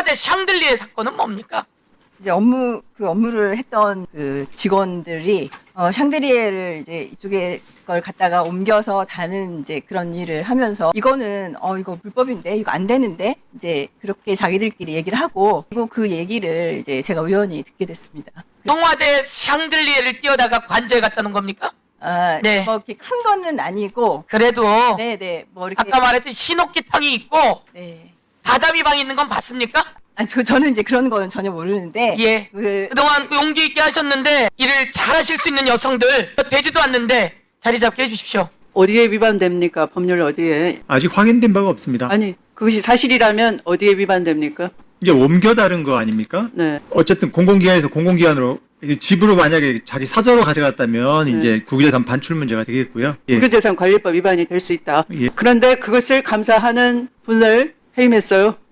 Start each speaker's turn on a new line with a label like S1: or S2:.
S1: 청와대 샹들리에 사건은 뭡니까?
S2: 이제 업무를 했던 그 직원들이 샹드리에를 이제 이쪽에 걸 갖다가 옮겨서 다는 이제 그런 일을 하면서 이거는 이거 불법인데 이거 안 되는데 이제 그렇게 자기들끼리 얘기를 하고 그리고 그 얘기를 이제 제가 우연히 듣게 됐습니다.
S1: 청와대 샹들리에를 뛰어다가 관저에 갔다는 겁니까? 네.
S2: 뭐 이렇게 큰 거는 아니고
S1: 그래도
S2: 네네 뭐 이렇게
S1: 아까 말했듯이 신옥기탕이 있고
S2: 네.
S1: 다다미 방이 있는 건 봤습니까?
S2: 저는 이제 그런 거는 전혀 모르는데
S1: 예. 그동안 용기 있게 하셨는데 일을 잘하실 수 있는 여성들 되지도 않는데 자리 잡게 해주십시오.
S3: 어디에 위반됩니까? 법률 어디에?
S4: 아직 확인된 바가 없습니다.
S3: 아니, 그것이 사실이라면 어디에 위반됩니까?
S4: 이제 옮겨 다른 거 아닙니까?
S3: 네.
S4: 어쨌든 공공기관에서 공공기관으로 집으로 만약에 자기 사저로 가져갔다면
S3: 네.
S4: 이제 국유재산 반출 문제가 되겠고요. 예.
S3: 국유재산관리법 위반이 될 수 있다.
S4: 예.
S3: 그런데 그것을 감사하는 분을 해임했어요.